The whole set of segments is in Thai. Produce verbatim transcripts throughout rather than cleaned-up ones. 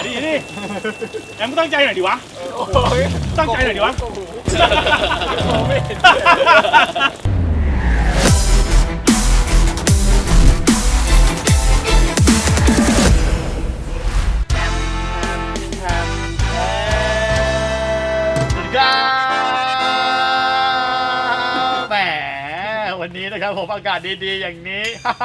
ดีดิแอมก็ตั้งใจหน่อยดิวะตั้งใจหน่อยดิวะแหมวันนี้นะครับผมอากาศดีๆอย่างนี้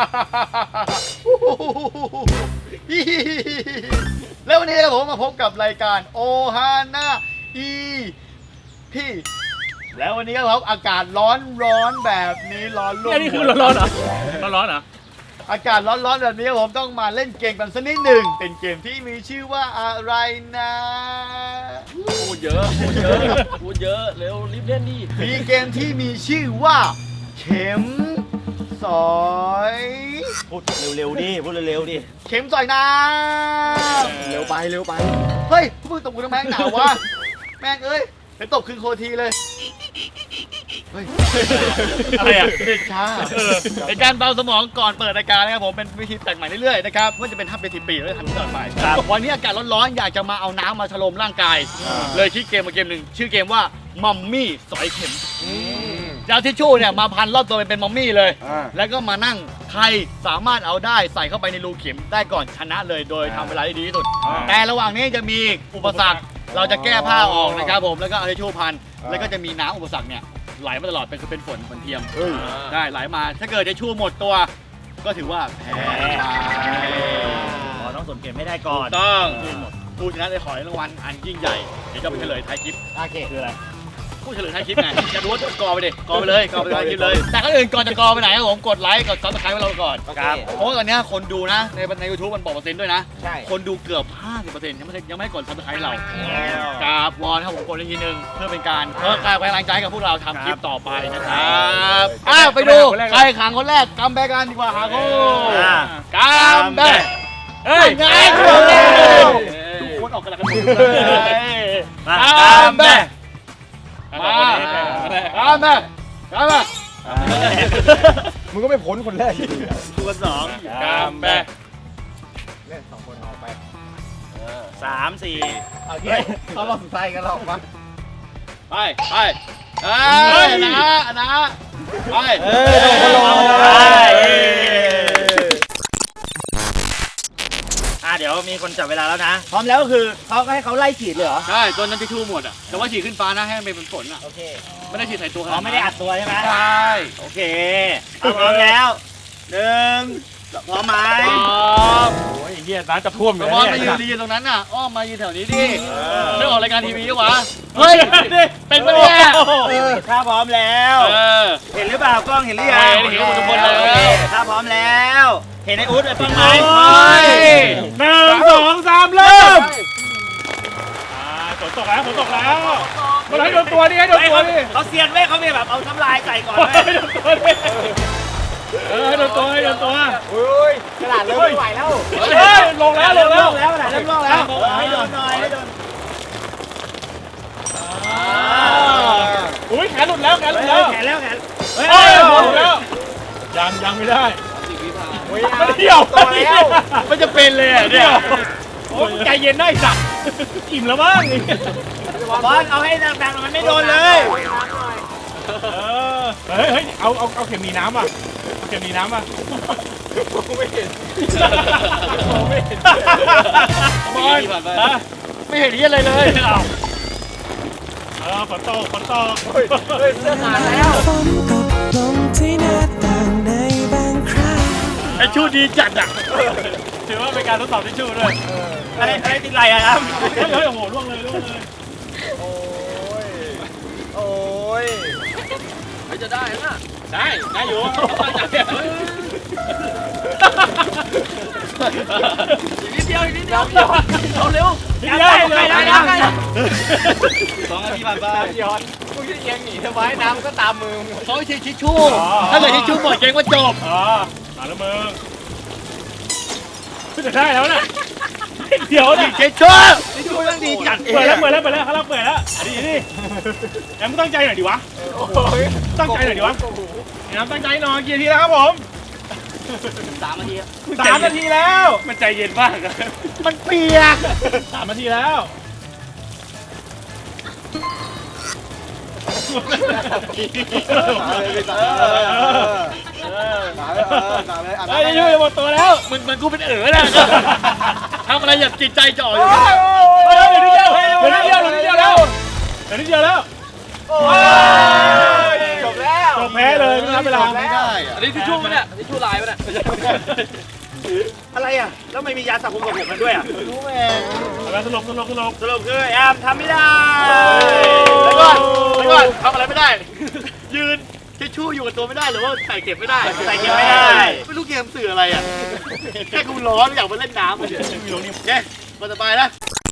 แล้ววันนี้นะครับผมมาพบกับรายการโอฮาน่าอีพี่แล้ววันนี้ครับผมอากาศร้อนร้อนแบบนี้ร้อนรุ่มนี่คือร้อนๆเหรอร้อนๆเหรออากาศร้อนๆแบบนี้ผมต้องมาเล่นเกมกันสักนิดหนึ่งเป็นเกมที่มีชื่อว่าอะไรนะพูดเยอะพูดเยอะพูดเยอะเร็วรีบเล่นดิมีเกมที่มีชื่อว่าเข็มสอยพูดเร็วๆดิพูดเร็วๆดิเข็มสอยน้ำเร็วไปเร็วไปเฮ้ยพวกมึงตบกูทำไมหนาววะแม่งเอ้ยเดี๋ยวตบคืนโคทีเลยเฮ้ยอะไรอ่ะเด็กช้าในการเบาสมองก่อนเปิดรายการนะครับผมเป็นวิธีแปลกใหม่เรื่อยๆนะครับว่าจะเป็นทับเป็นสิบปีแล้วทำตลอดไปวันนี้อากาศร้อนๆอยากจะมาเอาน้ำมาฉลมร่างกายเลยคิดเกมมาเกมหนึ่งชื่อเกมว่ามัมมี่สอยเข็มจะเอาทิชชู่เนี่ยมาพันรอบตัวเป็นมัมมี่เลยแล้วก็มานั่งใครสามารถเอาได้ใส่เข้าไปในรูเข็มได้ก่อนชนะเลยโดยทำเวลาได้ดีที่สุดแต่ระหว่างนี้จะมีอุปสรรคเราจะแก้ผ้าออกนะครับผมแล้วก็เอาทิชชู่พันแล้วก็จะมีน้ำอุปสรรคเนี่ยไหลมาตลอดเป็นคือเป็นฝนฝนเทียมได้ไหลมาถ้าเกิดทิชชู่หมดตัวก็ถือว่าแพ้ต้องสนเกมไม่ได้ก่อนต้องผู้ชนะได้ขอรางวัลอันยิ่งใหญ่เดี๋ยวจะไปเฉลยท้ายคลิปโอเคคืออะไรผู้เฉลยท้ายคลิปไงจะรู้ว่ากอไปดิกอไปเลยกอไปท้ายคลิปเลยแต่ก็อื่นก่อนจะกอไปไหนครับผมกดไลค์กดซับสไครป์ไว้เราก่อนครับเพราะว่าตอนนี้คนดูนะในในยูทูบมันบอกเปอร์เซ็นต์ด้วยนะใช่คนดูเกือบ ห้าสิบเปอร์เซ็นต์ ยังไม่ยังไม่กดซับสไครป์เราครับวอนครับผมกดอีกทีนึงเพื่อเป็นการเพื่อการกำลังใจกับพวกเราทำคลิปต่อไปนะครับอ้าวไปดูใครขังคนแรกกัมแบกกันดีกว่าหาคู่กัมแบกเฮ้ยไงทุกคนออกกำลังกายกัมแบกมาข้ามมาข้ามมามึงก็ไม่พ้นคนแรกตัวสองข้ามไปเล่นสองคนออกไปสามสี่โอเคเขาลองใส่กันหรอกปะไปไปเอ้ยนะนะไปเอ้ยเดี๋ยวมีคนจับเวลาแล้วนะพร้อมแล้วก็คือเขาให้เขาไล่ฉีดเลยเหรอใช่จนนั้นทิชชู่หมดอ่ะแต่ว่าฉีดขึ้นฟ้านะให้มันเป็นฝนอ่ะโอเคไม่ได้ฉีดใส่ตัวเขาไม่ได้อัดตัวใช่ไหมใช่โอเคพร้อมแล้วหนึ่งพร้อมไหมพร้อมโอ้ยเหี้ยน้ำจะท่วมเลยพร้อมมายืนยืนตรงนั้นน่ะอ้อมมายืนแถวนี้ดิไม่ออกรายการทีวีวะเฮ้ยเป็นปะเนี่ยถ้าพร้อมแล้วเห็นหรือเปล่ากล้องเห็นหรือยังเห็นทุกคนเลยถ้าพร้อมแล้วเห็นไอ้อุ๊ดไอ้ป้องไหมหนึ่งสองสามเริ่มฝนตกแล้วฝนตกแล้วมาให้โดนตัวดิให้โดนตัวดิเขาเซียนเว้ยเขามีแบบเอาน้ำลายใส่ก่อนให้โดนตัวดิเออให้โดนตัวให้โดนตัวอุ้ยกระดาษเริ่มไม่ไหวแล้วเฮ้ยลงแล้วลงแล้วแล้วกระดาษเริ่มลงแล้วให้โดนหน่อยให้โดนอุ้ยแขนหลุดแล้วแขนหลุดแล้วแขนแล้วแขนเฮ้ยหลุดแล้วยังยังไม่ได้ไม่เที่ยวตัวแล้วมันจะเป็นเลยเนี่ยโอ้ใจเย็นได้สักอิ่มแล้วมั้งบอลเอาให้ดังๆมันไม่โดนเลยเฮ้ยเฮ้ยเอาเอาเอาเข็มมีน้ำอ่ะเข็มมีน้ำอ่ะไม่เห็นไม่เห็นบอลไม่เห็นที่อะไรเลยเอาเออฝนตกฝนตกเฮ้ยเสื้อขาดแล้วไอ้ชูดีจัดอ่ะถือว่าเป็นการทดสอบที่ชูด้วยอะไรอะไรติดไหลอะครับเฮ้ยโอ้โหล่วงเลยล่วงเลยโอ้ยโอ้ยไม่จะได้นะได้ได้อยู่อีกนิดเดียวอีกนิดเดียวเอาเร็วนิดเดียวได้ได้ได้สองนาทีผ่านไปย้อนมึงจะเอียงหนีทำไมน้ำก็ตามมือเขาใช้ทิชชู่ถ้าเกิดทิชชู่หมดเกงว่าจบอ๋อมาแล้วมึงจะได้แล้วนะเดี๋ยวนะทิชชู่ทิชชู่ต้องดีจัดเปิดแล้วเปิดแล้วเปิดแล้วเขาเปิดแล้วดีดิแอมตั้งใจหน่อยดิวะตั้งใจหน่อยดิวะแอมตั้งใจหน่อยกี่ทีแล้วครับผมสามนาทีครับสามนาทีแล้วมันใจเย็นมากมันเปียกสามนาทีแล้วไอ้ยุ่ยหมดตัวแล้วมึงมันกูเป็นเอ๋อนะทำอะไรอย่าจิตใจจ่ออยู่เดี๋ยวนิดเดียวเดี๋ยวนิดเดียวเดี๋ยวนิดเดียวแล้วเดี๋ยวนิดเดียวแล้วจบแล้วจบแพ้เลยไม่นับเวลาไม่ได้อันนี้ทิชชู่มั้ยเนี่ยทิชชู่ลายมั้ยเนี่ยอะไรอ่ะแล้วไม่มียาสระผมกับผมกันด้วยอ่ะรู้ไหมแล้วสรุปสรุปสรุปสรุปคือแอมทำไม่ได้แล้วก็แล้วก็ทำอะไรไม่ได้ ยืนทิชชู่อยู่กับตัวไม่ได้หรือว่าใส่เก็บไม่ได้ใส่เก็บไม่ได้ไม่รู้เกมสื่ออะไรอ่ะแค่กูร้อนอยากไปเล่นน้ำเฉยๆโอเคคนต่อไปนะ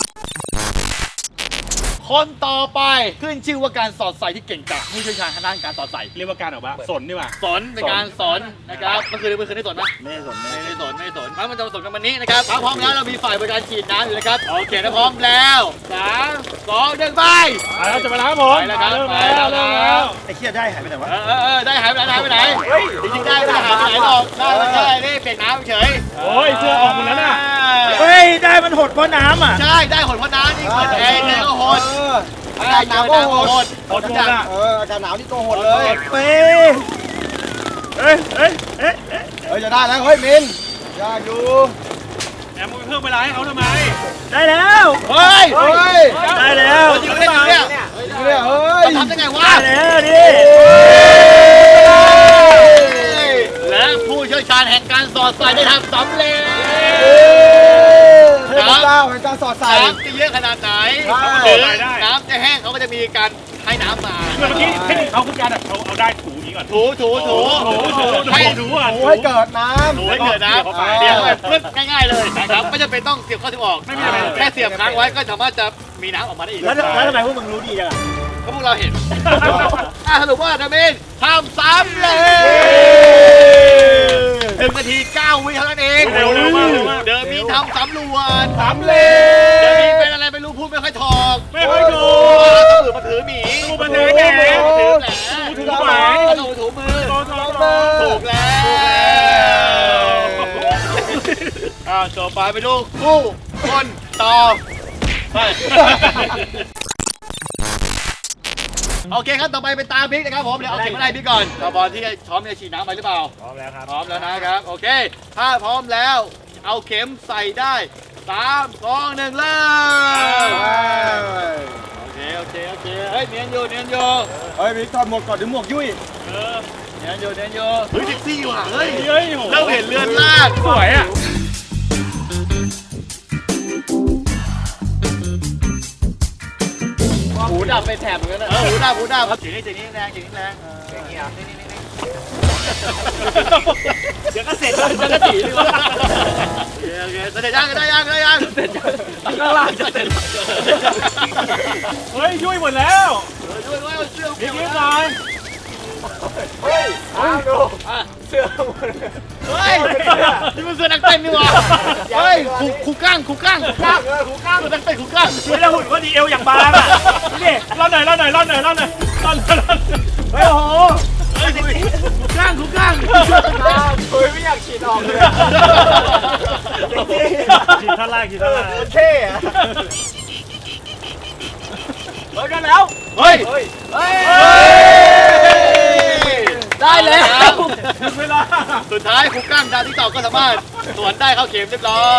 คนต่อไปขึ้นชื่อว่าการสอดใส่ที่เก่งกาจผู้เชี่ยวชาญทางด้านการสอดใส่เรียกว่าการออกมาสนนี่ว่าสอนในการสอนนะครับเมื่อคืนเมื่อคืนได้สอนไหมไม่สนไม่ได้สอนไม่ได้สอนมันจะมาสอนกันวันนี้นะครับถ้าพร้อมแล้วเรามีฝ่ายบริการฉีดน้ำอยู่นะครับโอเคถ้าพร้อมแล้วสามสองหนึ่งไปไปแล้วจะไปแล้วครับผมไปแล้วครับเริ่มไปแล้วแล้วเริ่มครัแล้วบไอ้เคียได้หายไปไหนวะเออเออเออได้หายไปไหนหายไปไหนจริงๆได้ไม่ได้หายไปไหนหรอกได้ไม่ได้นี่เปียกน้ำเฉยโอ้ยเสื้อออกหมดแล้วน่ะเฮ้ยได้มันหดเพราะน้ำอ่ะใช่ได้หดเพราะน้ำนี่เปิดแอร์แอร์ก็หดอากาศหนาวก็โหดหดหดหมดอ่ะเอออากาศหนาวนี่ก็โหดเลยเฮ้ยเฮ้ยเฮ้ยเฮ้ยเฮ้ยจะได้แล้วเฮ้ยมินยากอยู่แอมมึงไปเพิ่มเวลาให้เขาทำไมได้แล้วเฮ้ยเฮ้ยได้แล้วจริงไม่ได้จริงเนี่ยเนี่ยเฮ้ยมันทำได้ไงวะได้แล้วดิและผู้เชี่ยวชาญแห่งการสอดใส่ได้ทำสำเร็จเทพเจ้าแห่งการสอดใส่น้ำจะเยอะขนาดไหนใช่หรือน้ำจะแห้งเขาก็จะมีการให้น้ำมาเมื่อกี้เทคนิคเขาคือการแบบเอาเอาได้ถูนี้ก่อนถูถูถูถูถูถูให้ถูอ่ะโอ้ให้เกิดน้ถูให้เกิดน้ำอ่าเสียบเข้าไปปึ๊บง่ายๆเลยนะครับไม่จำเป็นต้องเสียบเข้าเสียบออกไม่มีอะไรแค่เสียบค้างไว้ก็สามารถจะมีน้ำออกมาได้อีกแล้วแล้วทำไมพวกมึงรู้ดีจังอ่ะก็พวกเราเห็น อ่ะสรุปว่าทำเองทำสำเร็จหนึ่งนาทีเก้าวิเท่านั้นเองเร็วเร็วมากเร็วมากเดิมมีทำสำรวจสำเร็เดิมมีจเป็นอะไรไม่รู้พูดไม่ค่อยถอกไม่ค่อยถูต้องมือมาถือหมีถูมาถือแหมถือแหลถูถูหมาถูถูมือถูถูถูถูกแล้วอ่าต่อไปไปดูคู่คนต่อไปโอเคครับต่อไปเป็นตาบิ๊กนะครับผมเดี๋ยวเอาเข็มอะไรบิ๊กก่อนตาบอลที่ช้อมจะฉีดน้ำไปหรือเปล่าพร้อมแล้วครับพร้อมแล้วนะครับโอเคถ้าพร้อมแล้วเอาเข็มใส่ได้สามสองหนึ่งเริ่มำโอเคโอเคโอเคเฮ้ยเนียนอยู่เนียนอยู่เฮ้ยมิกถอดหมวกก่อนเดี๋ยวหมวกยุ่ยเออเนียนอยู่เนียนอยู่เฮ้ยแท็กซี่ว่ะเฮ้ยเฮ้ยโหเริ่มเห็นเรือนลาดสวยอ่ะหูดับไปแถบเหมือนกันนะเออหูดับหูดับจีนี่จีนี่แรงจีนี่แรงอย่างนี้อ่ะนี่นี่นี่เดี๋ยวก็เสร็จแล้วจะกระจีดีกว่าโอเคโอเคเสร็จยังได้ยังได้ยังเสร็จยังข้างล่างจะเสร็จเฮ้ยยุ่ยหมดแล้วเออด้วยด้วยเสื้อยิ้มยิ้มหน่อยเฮ้ยอ้าวดูอ่ะเสื้อหมดเฮ้ยนี่มันเสื้อนักเต้นนี่หว่าเฮ้ยครูครูก้างครูก้างครูก้างเออหูก้างเสื้อนักเต้นครูก้างไม่ได้หุ่นก็ดีเอวอย่างบางอ่ะนี่ร่อนหน่อยร่อนหน่อยร่อนหน่อยร่อนหน่อยร่อนหน่อยร่อนหน่อยเฮ้ยโอ้โหเฮ้ยครูก้างครูก้างเฮ้ยไม่อยากฉีดออกเลยขีดท่าล่างขีดท่าล่างมันเท่อะเฮ้ยกันแล้วเฮ้ยเฮ้ยเฮ้ยได้แล้วถึงเวลาสุดท้ายครูก้างดาวที่ต่อก็สามารถสวนได้เข้าเข็มเรียบร้อย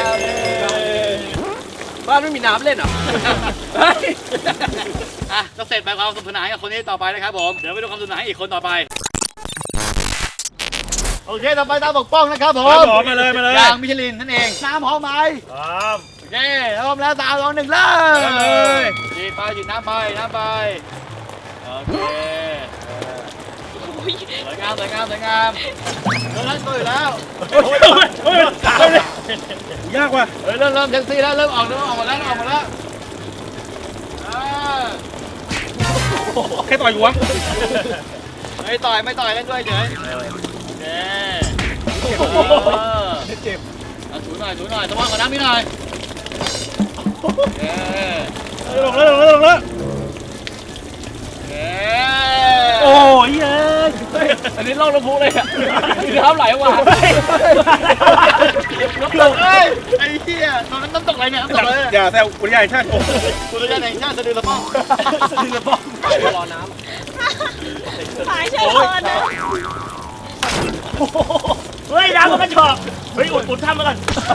บ้านไม่มีน้ำเล่นเหรออ่ะก็เสร็จไปความสนุกสนานกับคนนี้ต่อไปนะครับผมเดี๋ยวไปดูความสนุกสนานให้อีกคนต่อไปโอเคต่อไปตามปกป้องนะครับผมครับผมมาเลยมาเลยอย่างมิชลินนั่นเองน้ำหอมไหมครับโอเคพร้อมแล้วสามสองหนึ่งเริ่มมาเลยฉีดไปฉีดน้ำไปน้ำไปโอเคสวยงามสวยงามสวยงามเริ่มเล่นตัวอยู่แล้วโอ้ยโอ้ยตายเลยยากว่ะเฮ้ยเริ่มเริ่มแท็กซี่แล้วเริ่มออกเริ่มออกหมดแล้วเริ่มออกหมดแล้วอ่าแค่ต่อยกูวะไม่ต่อยไม่ต่อยเล่นด้วยเฉยโอเคเจ็บเอาถูหน่อยถูหน่อยสว่างกว่าน้ำนิดหน่อยโอเคลงแล้วลงแล้วลงแล้วโอเคโอ้ยเอ้ยอันนี้ล่องน้ำพุเลยอ่ะมีน้ำไหลออกมาเฮ้ยไอ้เหี้ยตอนนั้นน้ำตกอะไรเนี่ยน้ำตกอะไรอย่าแซวอุทยานแห่งชาติอุทยานแห่งชาติสะดือละป้องสะดือละป้องรอน้หายใจก่อนนะเฮ้ยน้ำมันกระชอกเฮ้ยอุดอุดทำมาก่อน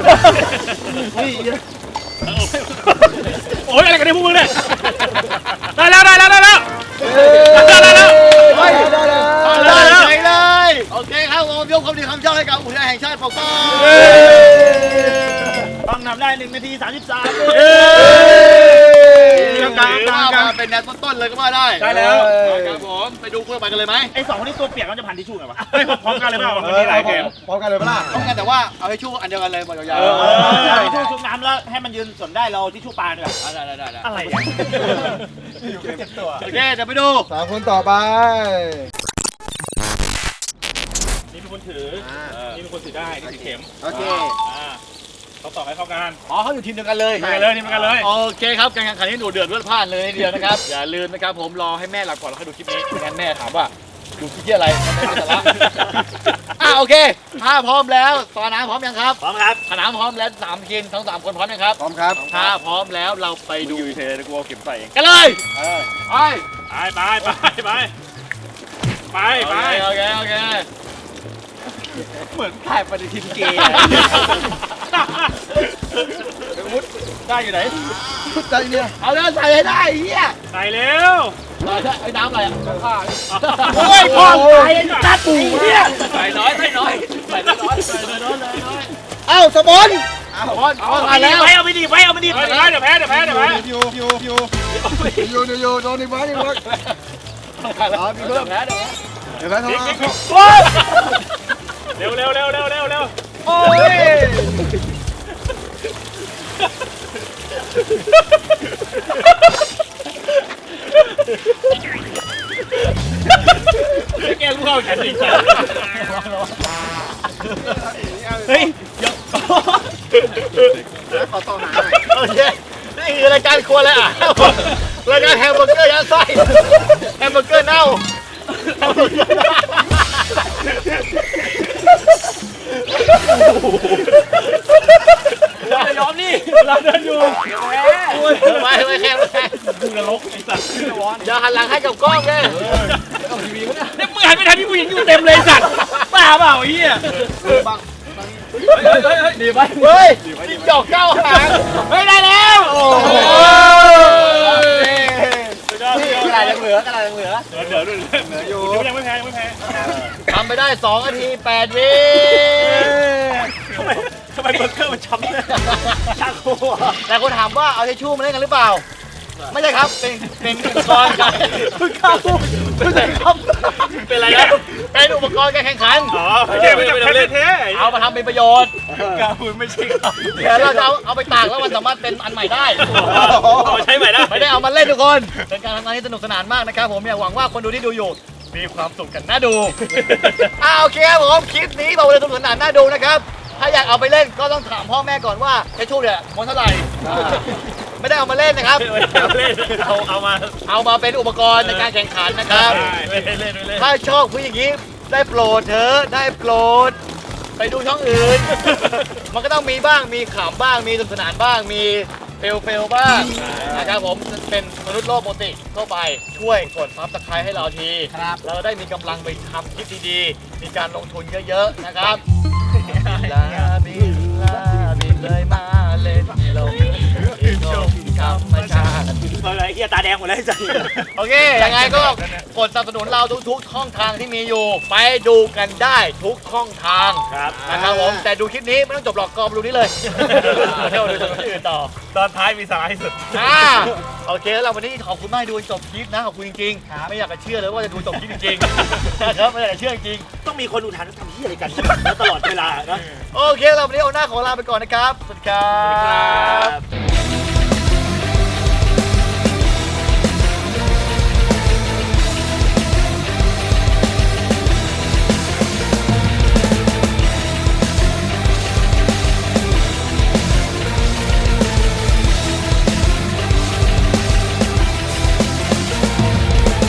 โอ้ยอะไรกันเนี่ยพวกมึงเนี่ยได้แล้วได้แล้วได้แล้วได้แล้วได้แล้วเฮ้ยได้แล้วได้เลยใช่เลยโอเคครับผมยกความดีความชอบให้กับอุทยานแห่งชาติปกป้องต้องนำได้หนึ่งนาทีสามสิบสามกลางกลางกลางเป็นแนวต้นๆเลยก็ว่าได้ได้แล้วครับผมไปดูคู่ต่อไปกันเลยไหมไอ้สองคนนี้ตัวเปียกมันจะพันทิชชู่ไงวะพร้อมกันเลยเปล่ามันมีหลายเกมพร้อมกันเลยปะล่ะต้องกันแต่ว่าเอาให้ชู่อันเดียวกันเลยหมดยาวเออๆเอาทิชชู่ชุบน้ำแล้วให้มันยืนสนได้เราทิชชู่ปลาด้วยได้ได้ได้ได้อะไรเนี่ยอยู่เจ็ดตัวโอเคเดี๋ยวไปดูสามคนต่อไปนี่เป็นคนถือนี่เป็นคนถือได้นี่ถือเข็มโอเคอ่าเขาต่อให้เข้ากันอ๋อเขาอยู่ทีมเดียวกันเลยทีมกันเลยทีมกันเลยโอเคครับการแข่งขันนี้หนูเดือดเลือดพล่านเลยทีเดียวนะครับ อย่าลืมนะครับผมรอให้แม่หลับก่อนแล้วค่อยดูคลิปนี้ไม่งั้นแม่ถามว่าดูคลิปที่อะไรไม่เป็นสาระอ่ะโอเคถ้าพร้อมแล้วตอนน้ำพร้อมยังครับพร้อมครับถ้าน้ำพร้อมแล้วสามทีมทั้งสามคนพร้อมยังครับพร้อมครับถ้าพร้อมแล้วเราไปดูอยู่เฉยๆกูเอาเข็มใส่เองกันเลยเออไปไปไปไปไปไปไปโอเคโอเคเหมือนถ่ายปฏิทินเกย์มุดได้อยู่ไหนใจเนี่ยเอาแล้วใส่ให้ได้ไอ้เฮียใส่เร็วไอ้น้ำอะไรอ่ะข้าวโอ้ยพ่อตายจัดปู่เนี่ยใส่น้อยใส่น้อยใส่น้อยเอ้าสมอนบอลเอาเอาไปมาแล้แล้ว วเอาไปดิไว้เอาไปดิเดี๋ยวแพ้เดี๋ยวแพ้เดี๋ยวแพ้เดี๋ยวแพ้อยู่อยู่อยู่อยู่อยู่อยู่โดนอีกบ้านอีกบ้านเอามีเพิ่มแล้วเดี๋ยวเดี๋ยวแพ้ทำไมเร็วเร็วเร็วเร็วเร็วเร็วโอ้ยแกลูกเข้าแขนจริงจังเฮ้ยขอต่อหาหน่อยโอเคนี่คือรายการครัวเลยอ่ะรายการแฮมเบอร์เกอร์ยัดไส้แฮมเบอร์เกอร์เน่าแฮมเบอร์เกอร์เน่าจะยอมนี่เราเดินอยู่ไม่ไม่แค่ไม่แค่ดูนรกไอ้สัตว์อย่าหันหลังให้กับกล้องเลยเนี่ยมึงหันไปทางที่ผู้หญิงอยู่เต็มเลยสัตว์บ้าเปล่าไอ้เหี้ยดีไหมเฮ้ยจิ้งจอกเก้าหางเฮ้ยได้แล้วโอ้โหนี่กระดาษยังเหลือกระดาษยังเหลือเดี๋ยวเดี๋ยวเหลืออยู่ยังไม่แพ้ยังไม่แพ้ทำไปได้สองนาทีแปดวิทำไมทำไมเบอร์เกอร์มันช้ำเลยชักโคตรแต่คนถามว่าเอาทิชชู่มาเล่นกันหรือเปล่า ไม่ใช่ครับ เป็นเป็นอุปกรณ์การเพิ่งเข้าไม่ใช่ครับเป็นอะไรนะเป็นอุปกรณ์การแข่งขันอ๋อไม่ใช่ไม่ใช่ไม่ใช่เท่เอามาทำเป็นประโยชน์กาบุญไม่ใช่ครับเดี๋ยวเราจะเอาเอาไปตากแล้วมันสามารถเป็นอันใหม่ได้เอาใช้ใหม่ได้ไม่ได้เอามาเล่นทุกคน เป็นการทำงานที่สนุกสนานมากนะครับผมอยากหวังว่าคนดูที่ดูอยู่ มีความสุขกันน่าดู อ่าโอเคครับผมคลิปนี้บอกเลยสนุกสนานน่าดูนะครับ ถ้าอยากเอาไปเล่นก็ต้องถามพ่อแม่ก่อนว่าไอ้ชู่เนี่ยม้วนเท่าไหร่ไม่ได้เอามาเล่นนะครับเอาเอามาเอามาเป็นอุปกรณ์ในการแข่งขันนะครับไม่เล่นไม่เล่นถ้าชอบผู้อย่างนี้ได้โปรดเถอะได้โปรด ไปดูช่องอื่น มันก็ต้องมีบ้างมีขำบ้างมีสนุกสนานบ้างมีเฟลเฟลบ้างนะครับผมเป็นมนุษย์โลกปกติทั่วไปช่วยกดซับสไครต์ให้เราทีเราได้มีกำลังไปทำคลิปดีๆ มีการลงทุนเยอะๆนะครับลาบินลาบินเลยมาเล่นลงอีกงธรรมชาติอะไรเฮียตาแดงหมดแล้วจ้ะโอเค ยังไงก็กดสนับสนุนเราทุกๆช่องทางที่มีอยู่ ไปดูกันได้ทุกช่องทางครับนะครับผม แต่ดูคลิปนี้ไม่ต้องจบหรอกกอมดูนี่เลยเที่ยวดูที่อื่นต่อตอนท้ายมีสาระที่สุดอ่าโอเคแล้ววันนี้ขอบคุณมากที่ดูจนจบคลิปนะ ขอบคุณจริงๆ ไม่อยากจะเชื่อเลยว่าจะดูจบคลิปจริงๆนะครับไม่อยากจะเชื่อจริงต้องมีคนดูทันทำที่อะไรกันตลอดเวลานะโอเคแล้ววันนี้เอาหน้าขอลาไปก่อนนะครับ สวัสดีครับ